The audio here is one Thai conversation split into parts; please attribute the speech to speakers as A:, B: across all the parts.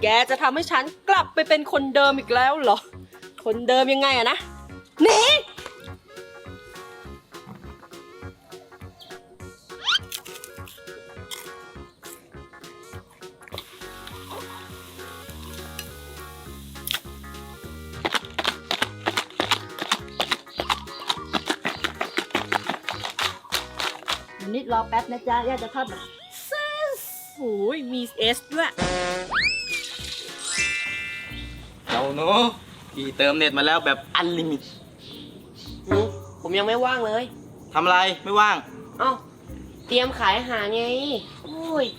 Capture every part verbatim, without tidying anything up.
A: แกจะทำให้ฉันกลับไปเป็นคนเดิมอีกแล้วเหรอคนเดิมยังไงอะนะหนีนิดรอแป๊บนะจ๊ะย่าจะทอดแบบโอ้ยมีเอสด้วย
B: เจ้าหนูพี่เติมเน็ตมาแล้วแบบอันลิมิต
C: อืมผมยังไม่ว่างเลย
B: ทำอะไรไม่ว่าง
C: เอ้า เตรียมขายอาหารไง โอ้ย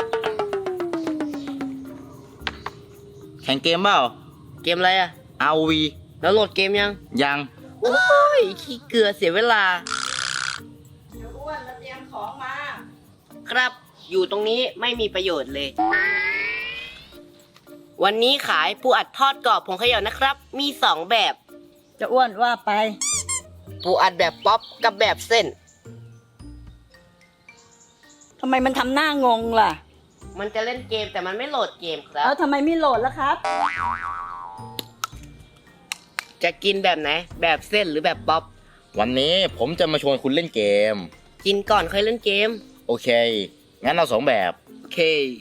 B: แข่งเกมเปล่า
C: เกมอะไรอะ
B: อาร์ โอ วี
C: แล้วโหลดเกมยัง
B: ยัง
C: โอ้ย ขี้เกลือเสียเวลา
A: เดี๋ยวอ้วนมาเตรียมของมา
C: ครับ อยู่ตรงนี้ไม่มีประโยชน์เลย วันนี้ขายปูอัดทอดกรอบผงเขย่านะครับ มีสองแบบ
A: จะอ้วนว่าไป
C: ปูอัดแบบป๊อปกับแบบเส้น
A: ทำไมมันทำหน้างงล่ะ
C: มันจะเล่นเกมแต่มันไม่โหลดเกมครับ
A: แล้วทำไมไม่โหลดล่ะครับ
C: จะกินแบบไหน แบบเส้นหรือแบบป๊อป
B: วันนี้ผมจะมาชวนคุณเล่นเกม
C: กินก่อนค่อยเล่นเกม
B: โอเค งั้นเอาสองแบบ
C: โอเค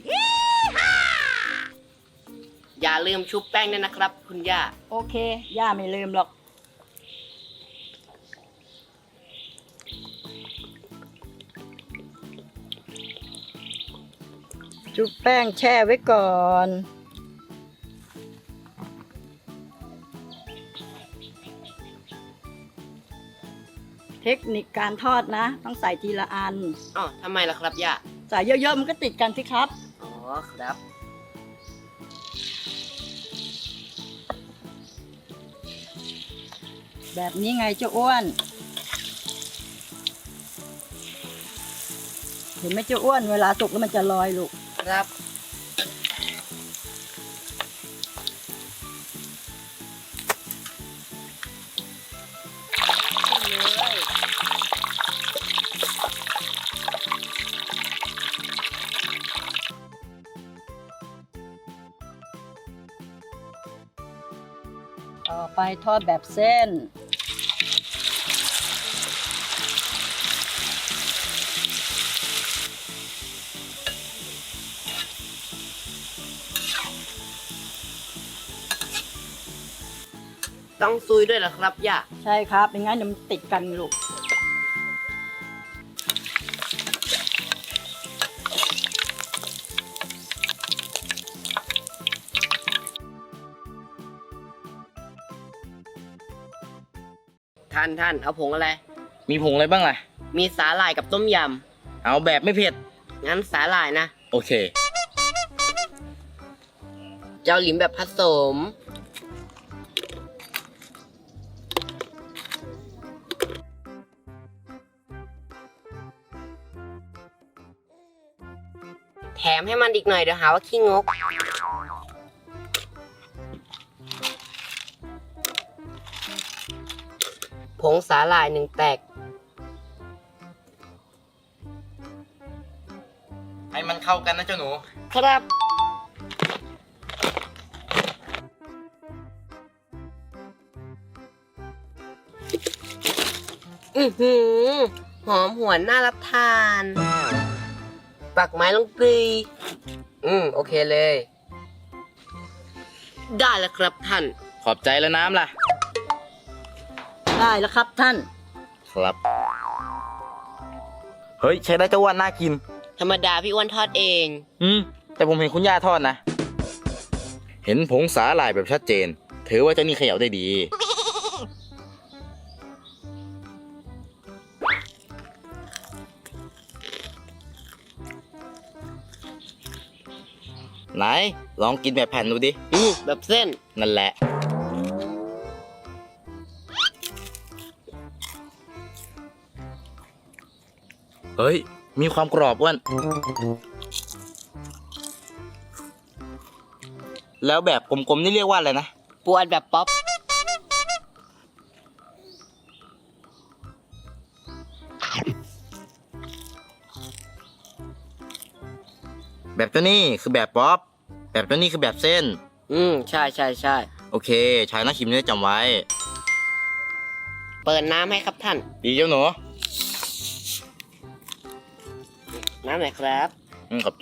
C: อย่าลืมชุบแป้งด้วยนะครับ คุณย่า
A: โอเค ย่าไม่ลืมหรอก จุบแป้งแช่ไว้ก่อน เทคนิคการทอดนะ ต้องใส่ทีละอัน
C: อ๋อทำไมล่ะครับย่า
A: ใส่เยอะๆมันก็ติดกันสิครับ
C: อ๋อครับ
A: แบบนี้ไงเจ้าอ้วน เห็นไหมเจ้าอ้วนเวลาสุกแล้วมันจะลอยลูก
C: ครับ
A: ต่อไปทอดแบบเส้น
C: ต้องซุยด้วยเหรอครับย่า
A: ใช่ครับไม่งั้นเดี๋ยวมันติดกันลูก
C: ท่านท่านเอาผงอะไร
B: มีผงอะไรบ้างล่ะ
C: มีสาหร่ายกับต้มย
B: เอาแบบไม่เผ็ด
C: ำ งั้นสาหร่ายนะ
B: โอเค
C: เจ้าหลิมแบบผสม แถมให้มันอีกหน่อยเดี๋ยวหาว่าขี้งก ผงสาหร่ายหนึ่งแตก
B: ให้มันเข้ากันนะเจ้าหนู
C: ครับ อือหือ หอมหวนน่ารับทาน ปักไม้ลงกรีอืม โอเคเลย ได้แล้วครับท่าน
B: ขอบใจแล้วน้ำล่ะ
A: ได้แล้วครับท่าน
B: ครับ เฮ้ย ใช้ได้เจ้าอ้วนน่ากิน
C: ธรรมดาพี่อ้วนทอดเอง
B: อืม แต่ผมเห็นคุณย่าทอดนะ เห็นผงสาหร่ายแบบชัดเจน ถือว่าเจ้านี่เขย่าได้ดี ไหน ลองกินแบบแผ่นดูดิ
C: อืม แบบเส้น
B: นั่นแหละ เฮ้ย มีความกรอบอ้วน แล้วแบบกลมๆนี่เรียกว่าอะไรนะ
C: ปูอัดแบบป๊อป
B: แบบตัวนี้คือแบบป๊อป แบบตัวนี้คือแบบเส้น
C: อืม ใช่ใช่ใช่
B: โอเค ชายนักชิมเนี่ยจำไว้
C: เปิดน้ำให้ครับท่าน
B: ดีเจ้าหนู
C: น้ำหน่อยครับ
B: อืมขอบใจ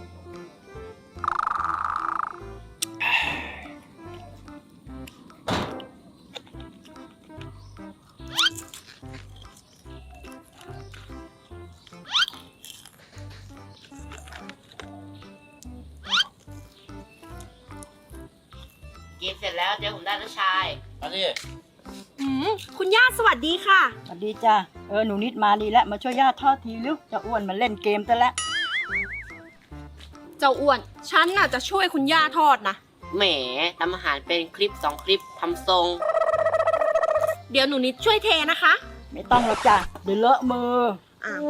C: กินเสร็จแล้วเดี๋ยวผมได้นะชาย
B: มาดิ
A: อืมคุณย่าสวัสดีค่ะ
D: สวัสดีจ้ะ เออ หนูนิดมาดีแล้ว มาช่วยย่าทอดทีลูกจะอ้วนมาเล่นเกมซะแล้ว
A: เจ้าอ้วน ฉันน่ะจะช่วยคุณย่าทอดนะ
C: แหมทำอาหารเป็นคลิปสองคลิปทำทรง
A: เดี๋ยวหนูนิดช่วยเทนะคะ
D: ไม่ต้องหรอกจ้ะ เดี๋ยวเลอะมือ
A: อ้าว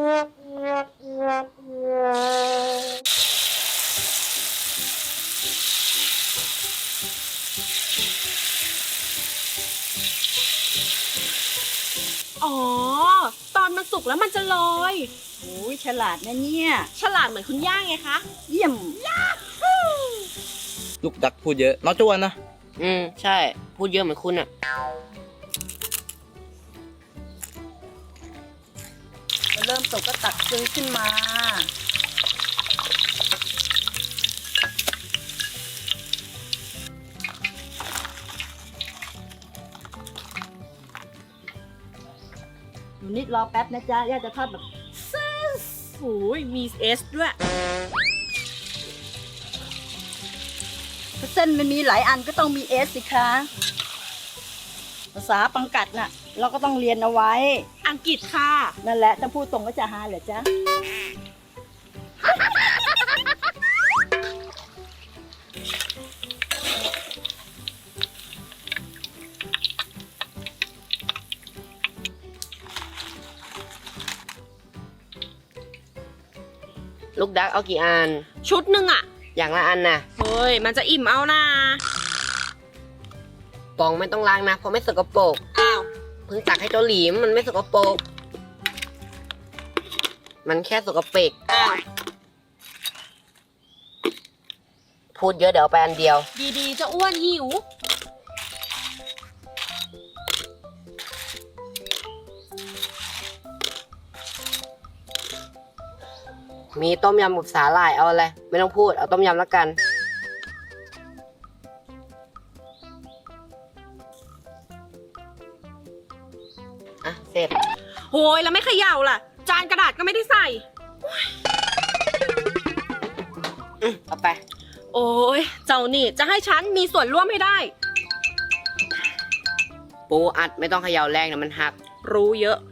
A: อ๋อ ตอนมันสุกแล้วมันจะลอย
D: โอ้ยฉลาดนะเนี่ย
A: ฉลาดเหมือนคุณย่าไงคะ
D: เยี่ยม
B: ลูกดักพูดเยอะน้องจวนนะ
C: อืม ใช่ พูดเยอะเหมือนคุณอ่ะ
D: เริ่มสุกก็ตักซื้อขึ้นมา
A: หนูนิดรอแป๊บนะจ๊ะ ย่าจะทอดแบบเซสโอ้ยมีเอสด้วย
D: ถ้าเส้นมันมีหลายอันก็ต้องมีเอสสิคะ ภาษาปังกัดน่ะ เราก็ต้องเรียนเอาไว้
A: อังกฤษค่ะ
D: นั่นแหละ ถ้าพูดตรงก็จะหาเหรอจ๊ะ
C: ลูกดักเอากี่อัน
A: ชุดหนึ่งอะ
C: อย่างละอันนะ
A: เฮ้ย มันจะอิ่มเอานะ
C: ปองไม่ต้องล้างนะ เพราะไม่สกปรก
A: อ้าว
C: เพิ่งตักให้เจ้าหลีมมันไม่สกปรก มันแค่สกปรก
A: อ้าว
C: พูดเยอะเดี๋ยวเอาไปอันเดียว
A: ดีๆ จะอ้วนหิว
C: มีต้มยำกับสาหร่ายเอาอะไร ไม่ต้องพูด เอาต้มยำแล้วกัน อ่ะ เสร็จ
A: โหยแล้วไม่เขย่าล่ะ จานกระดาษก็ไม่ได้ใส่
C: อืมเอาไป
A: โอ้ย เจ้านี่จะให้ฉันมีส่วนร่วมให้ได้
C: ปูอัดไม่ต้องเขย่าแรงนะมันหัก
A: รู้เยอะ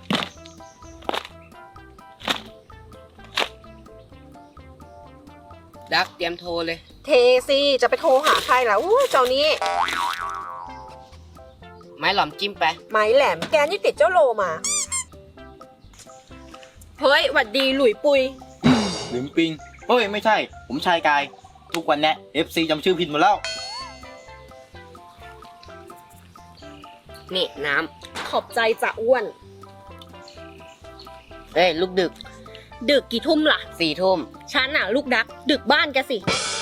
C: ดักเตรียมโทรเลย
A: เทสิจะไปโทรหาใครล่ะอู้เจ้านี้
C: ไม้หลอมจิ้มไป
A: ไม้แหลมแกนี่ติดเจ้าโลมา เฮ้ยหวัดดีหลุยปุย
B: ลืมปิงเฮ้ย ไม่ใช่ ผมชายกาย ทุกวันเนี้ย เอฟ ซี จำชื่อผิดหมดแล้ว
C: นี่น้
A: ขอบใจจะอ้วน
C: ำเอ้ย ลูกดึก
A: ดึกกี่ทุ่มล่ะ
C: สี่ทุ่ม
A: ฉันน่ะ ลูกดัก ดึกบ้านแกสิ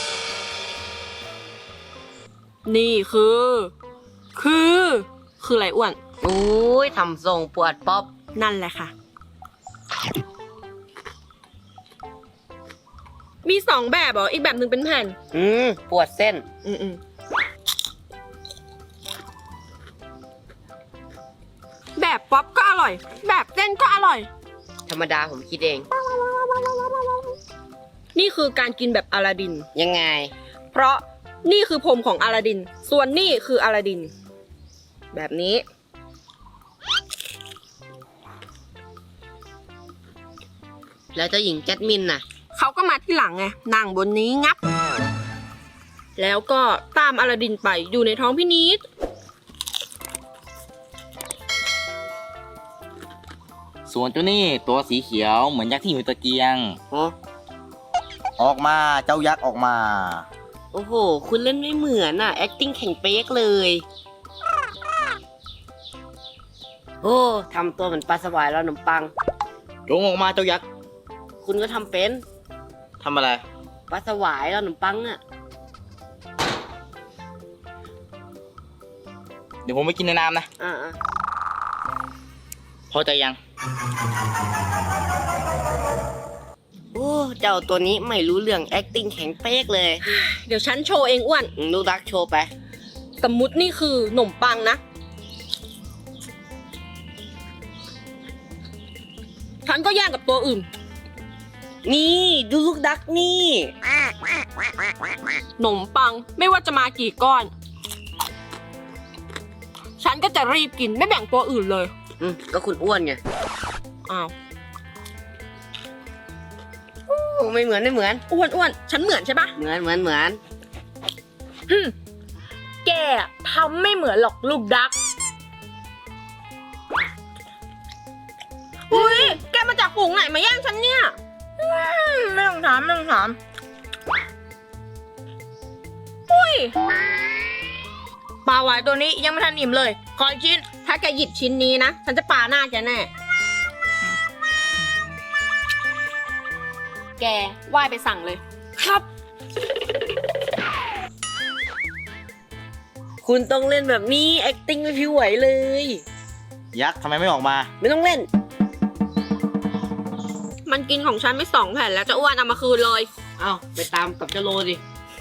A: นี่คือ คือ คืออะไรอ้วน
C: อุ้ยทำทรงปวดป๊อบ
A: นั่นแหละค่ะ มีสองแบบเหรอ อีกแบบหนึ่งเป็นแผ่น
C: อืม ปวดเส้น
A: อืมอืมแบบป๊อปก็อร่อย แบบเส้นก็อร่อย
C: ธรรมดาผมคิดเอง
A: นี่คือการกินแบบอลาดิน
C: ยังไง
A: เพราะนี่คือผมของอลาดิน ส่วนนี่คืออลาดิน แบบนี้
C: แล้วเจ้าหญิงแจสมินน่ะ
A: เขาก็มาที่หลังไง นั่งบนนี้งับ แล้วก็ตามอลาดินไปอยู่ในท้องพี่นิด
B: ส่วนเจ้านี่ตัวสีเขียวเหมือนยักษ์ที่อยู่ตะเกียง
C: โอ้
B: ออกมาเจ้ายักษ์ออกมา
C: โอ้โห คุณเล่นไม่เหมือนน่ะ acting แข่งเป๊กเลย โอ้ทำตัวเหมือนปลาสวายแล้วขนมปัง
B: จงออกมาเจ้ายักษ์
C: คุณก็ทำเป็น
B: ทำอะไร
C: ปลาสวายแล้วขนมปังอ่ะ
B: เดี๋ยวผมไปกินในน้ำนะ
C: อ่า
B: พอใจยัง
C: โอ้เจ้าตัวนี้ไม่รู้เรื่อง acting แข็งเป๊กเลย
A: เดี๋ยวฉันโชว์เองอ้วน
C: อืมลูกดักโชว์ไป
A: สมมุตินี่คือขนมปังนะ ฉันก็แย่งกับตัวอื่น
C: นี่ดูลูกดักนี่
A: ขนมปังไม่ว่าจะมากี่ก้อน ฉันก็จะรีบกินไม่แบ่งตัวอื่นเลย
C: อืมก็คุณอ้วนไง
A: อ้าว
C: โอ้ไม่เหมือนไม่เหมือน
A: อ้วนอ้วนฉันเหมือนใช่ปะ
C: เหมือนเหมือนเหมือน
E: ฮึมแกทำไม่เหมือนหรอกลูกดัก
A: อุ้ยแกมาจากฝูงไหนมาแย่งฉันเนี่ย
E: ไม่ต้องถามไม่ต้องถามอุ้ยปลาหวายตัวนี้ยังไม่ทันอิ่มเลย ขออีกชิ้น
A: ถ้าแกหยิบชิ้นนี้นะ ฉันจะปาหน้าแกแน่ แกว่ายไปสั่งเลย
E: ครับ
C: คุณต้องเล่นแบบนี้ acting ไม่ผิวไหวเลย
B: ยักษ์ทำไมไม่ออกมา
C: ไม่ต้องเล่น
A: มันกินของฉันไปสองแผ่นแล้วจะอ้วนเอามาคืนเลย
C: เอาไปตามกับเจ้าโลดิ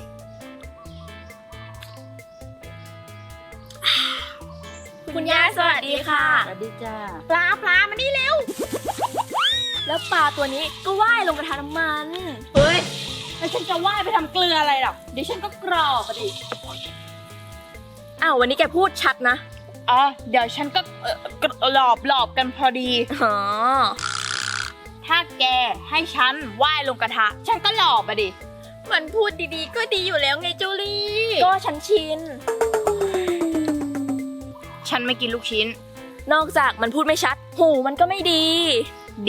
E: คุณย่าสวัสดีค่ะ
D: สวัสดีจ้า
E: ปลาปลามานี่เร็ว แล้วปลาตัวนี้ก็ว่ายลงกระทะน้ำมัน
D: เฮ้ยแล้วฉันจะว่ายไปทำเกลืออะไรหรอกเดี๋ยวฉันก็กรอบอะดิ
E: อ้าววันนี้แกพูดชัดนะ
F: อ๋อ เดี๋ยวฉันก็เอ่อหลอบหลอบกันพอดี
E: อ๋อ
F: ถ้าแกให้ฉันว่ายลงกระทะ ฉันก็หลอบอะดิ
E: มันพูดดีๆ ก็ดีอยู่แล้วไงจูลี่ ก็ฉันชิน
F: ฉันไม่กินลูกชิ้น
E: นอกจากมันพูดไม่ชัด หูมันก็ไม่ดี
F: ดี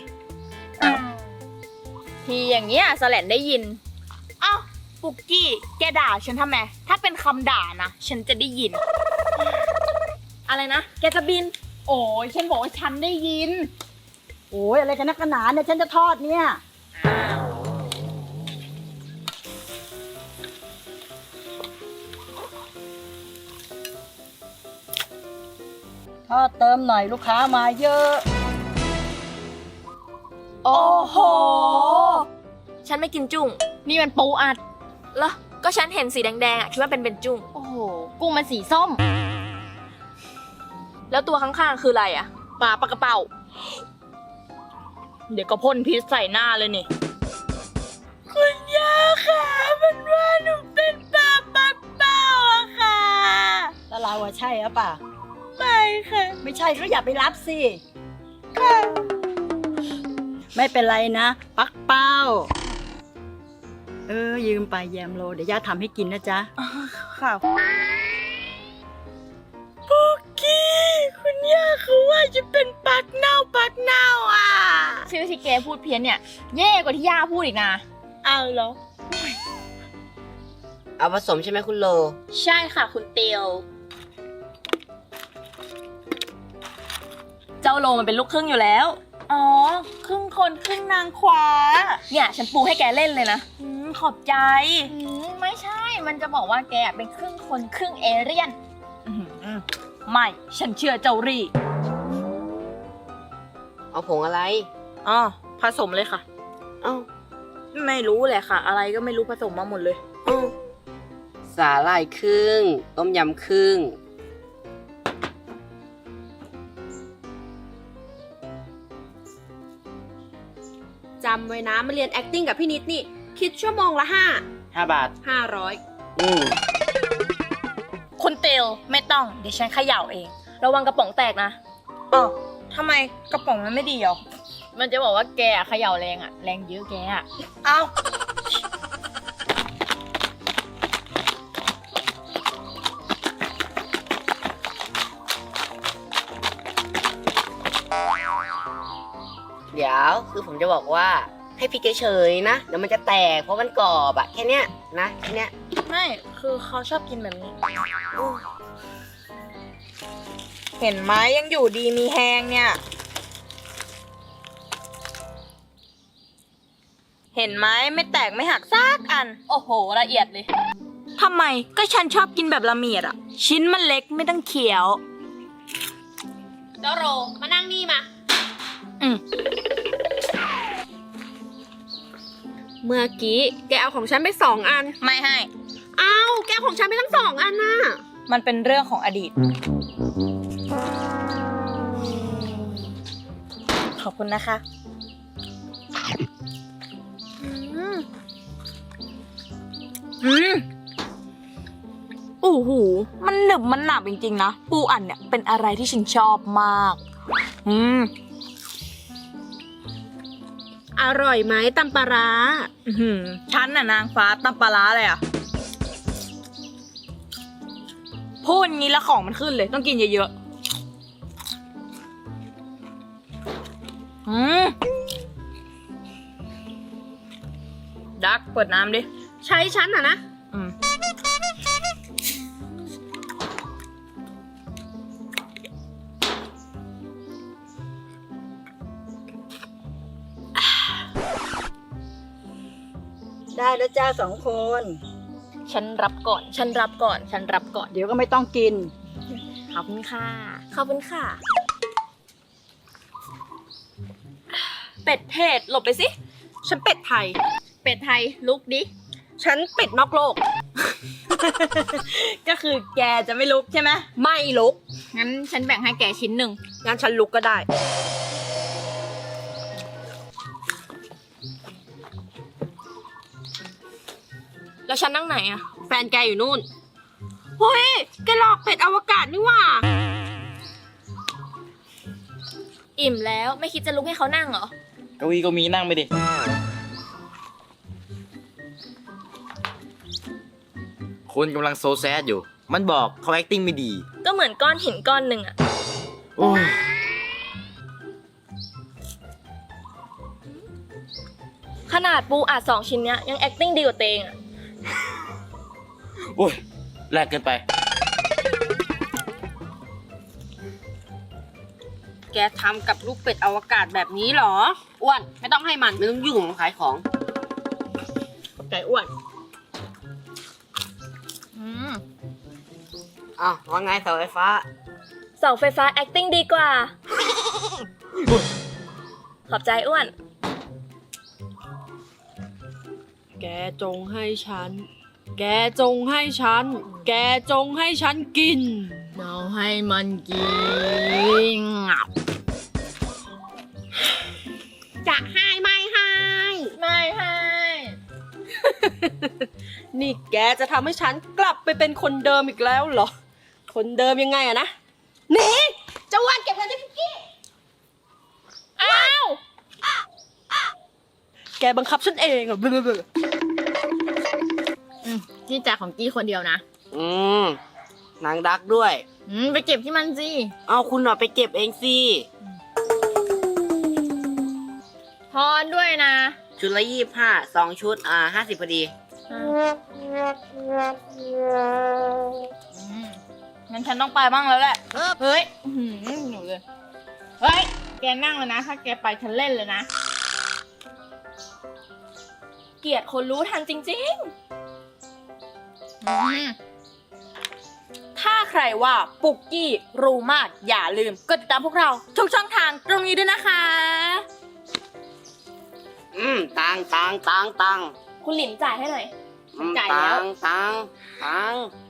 E: ทีอย่างเงี้ยสแลนได้ยิน
F: อ้าวปุกกี้ แกด่าฉันทำไม ถ้าเป็นคำด่านะ ฉันจะได้ยิน
E: อะไรนะ แกจะบิน
F: โอ้ยฉันบอกว่าฉันได้ยิน
D: โอ้ยอะไรกันนักกันหนาเนี่ยฉันจะทอดเนี่ยทอดเติมหน่อยลูกค้ามาเยอะ
E: โอ้โห ฉันไม่กินจุ้ง
F: นี่มันปูอัด
E: เหรอ ก็ฉันเห็นสีแดงๆอ่ะคิดว่าเป็นเป็นจุ้ง
F: โอ้โห กุ้งมันสีส้ม
E: แล้วตัวข้างๆคืออะไรอ่ะ
F: ปลาปลากระเป๋า เดี๋ยวก็พ่นพิษใส่หน้าเลยนี่ คุณย่าค่ะมันว่าหนูเป็นปลาปลากระเป๋าอะค่ะ
D: แล้วเราอะใช่หรือเปล่า
F: ไม่ค่ะ
D: ไม่ใช่ก็อย่าไปรับสิไม่เป็นไรนะ ปักเป้า เออ ยืมไปแยมโล เดี๋ยวย่าทำให้กินนะจ๊ะ
F: ค่ะปุกกี้ คุณย่าเขาว่าจะเป็นปักเน่าปักเน่าอ่ะชื่อที่แกพูดเพี้ยนเนี่ยแย่กว่าที่ย่าพูดอีกนะเอาเหรอ
C: เอาผสมใช่ไหมคุณโล
F: ใช่ค่ะคุณเตียว
E: เจ้าโลมันเป็นลูกครึ่งอยู่แล้ว
F: อ๋อ ครึ่งคนครึ่งนางขวา
E: เนี่ยฉันปูให้แกเล่นเลยนะ
F: อืมขอบใจอืมไม่ใช่ มันจะบอกว่าแกเป็นครึ่งคนครึ่งเอเลี่ยนอื้อหือไม่ ฉันเชื่อเจ้ารี่
C: เอาผงอะไร
F: อ๋อ ผสมเลยค่ะ
C: เอ้า
F: ไม่รู้แหละค่ะ อะไรก็ไม่รู้ผสมมาหมดเลย
C: เอ้าสาหร่ายครึ่ง ต้มยำครึ่ง
A: จำไว้นะมาเรียน acting กับพี่นิดนี่ คิดชั่วโมงละห้า
B: ห้าบาท
A: ห้าร้อย
C: อืม
F: คุณเตียวไม่ต้อง เดี๋ยวฉันเขย่าเอง
E: ระวังกระป๋องแตกนะ
F: อ๋อทำไมกระป๋องมันไม่ดีเหรอ มันจะบอกว่าแกเขย่าแรงอะแรงเยอะแกอะเอา
C: เดี๋ยวคือผมจะบอกว่าให้พริกเฉยๆนะ เดี๋ยวมันจะแตกเพราะมันกรอบอะแค่เนี้ยนะแค่เนี้ย
F: ไม่ คือเขาชอบกินแบบนี้ เห็นไหมยังอยู่ดีมีแหงเนี่ย เห็นไหมไม่แตกไม่หักซากอัน
E: โอ้โห ละเอียดเลยทำไมก็ฉันชอบกินแบบละเมียดอะชิ้นมันเล็กไม่ต้องเคี้ยว
A: เจ้าโรมานั่งนี่มา
E: อืม
A: เมื่อกี้แกเอาของฉันไปสองอัน
E: ไม่ให้
A: อ้าวแกเอาของฉันไปทั้งสองอันน่ะ
E: มันเป็นเรื่องของอดีต ขอบคุณนะคะ อืม อืมโอ้โห มันหนึบมันหนับจริงๆนะ ปูอัดเนี่ยเป็นอะไรที่ฉันชอบมาก อืม
A: อร่อยไหมตำปลาร้า
E: อื้อหือฉันน่ะนางฟ้าตำปลาร้าเลยอะพูดงี้แล้วของมันขึ้นเลย ต้องกินเยอะๆ อืม ดักเปิดน้ำดิ
A: ใช้ฉันอ่ะนะ
E: อืม
D: ได้แล้วจ้าสองคน
E: ฉันรับก่อน ฉันรับก่อน ฉันรับก่อน
D: เดี๋ยวก็ไม่ต้องกิน
E: ขอบคุณค่ะ ขอบคุณค่ะ เป็ดเทศหลบไปสิ
A: ฉันเป็ดไทย
F: เป็ดไทยลุกดิ
A: ฉันเป็ดนอกโลก
E: ก็คือแกจะไม่ลุกใช่ไหม
A: ไม่ลุก
F: งั้นฉันแบ่งให้แกชิ้นหนึ่ง
A: งั้นฉันลุกก็ได้
E: แล้วฉันนั่งไหนอะ
A: แฟนแกอยู่นู่น เฮ้ย แกหลอกเป็ดอวกาศนี่หว่า
E: อิ่มแล้วไม่คิดจะลุกให้เขานั่งเหรอ
B: เก้าอี้ก็มีนั่งไปดิ คนกำลังโซแซดอยู่ มันบอกเขา acting ไม่ดี
E: ก็เหมือนก้อนหินก้อนหนึ่งอะ
B: โอ้ย
E: ขนาดปูอัดสองชิ้นเนี้ยยัง acting ดีกว่าเตงอะ
B: โอ้ยแลกเกินไป
A: แกทำกับลูกเป็ดอวกาศแบบนี้เหรอ อ้วน ไม่ต้องให้มัน
C: ไม่ต้องยุ่งมันขายของ
A: ไก่อ้วน
E: อืม
C: อ้าวว่าไงเสาไฟฟ้า
E: เสาไฟฟ้า acting ดีกว่า ขอบใจอ้วน
A: แกจงให้ฉัน แกจงให้ฉัน แกจงให้ฉันกิน
F: เราให้มันกิน
A: จะให้ไม่ให้
F: ไม่ให้
A: นี่แกจะทำให้ฉันกลับไปเป็นคนเดิมอีกแล้วเหรอ คนเดิมยังไงอะนะหนี่เจ้าอ้วันเก็บเงินที่พิกกี้
F: อ้าว
A: แกบังคับฉันเองอะเบื่อเบื่อ
F: อืมนี่จ่ายของกี้คนเดียวนะ
C: อืมนางดักด้วย
F: อืมไปเก็บที่มันสิ
C: เอาคุณหน่อยไปเก็บเองสิ
F: ทอนด้วยนะ
C: ชุดละยี่สิบห้าสองชุด อ่าห้าสิบพอดี
F: อืมงั้นฉันต้องไปบ้างแล้วแหละ เฮ้ยอื้อหือหนูเลย เฮ้ย แกนั่งเลยนะ ถ้าแกไปฉันเล่นเลยนะ
E: เกลียดคนรู้ทันจริง
F: อืม
E: ๆ ถ้าใครว่าปุกกี้รู้มากอย่าลืมกดติดตามพวกเราทุกช่องทางตรงนี้ด้วยนะคะ
C: อืมตังตังตังตัง
E: คุณหลินจ่ายให้หน่อย
C: อืม
F: จ่ายแล้ว
C: ตังตังตัง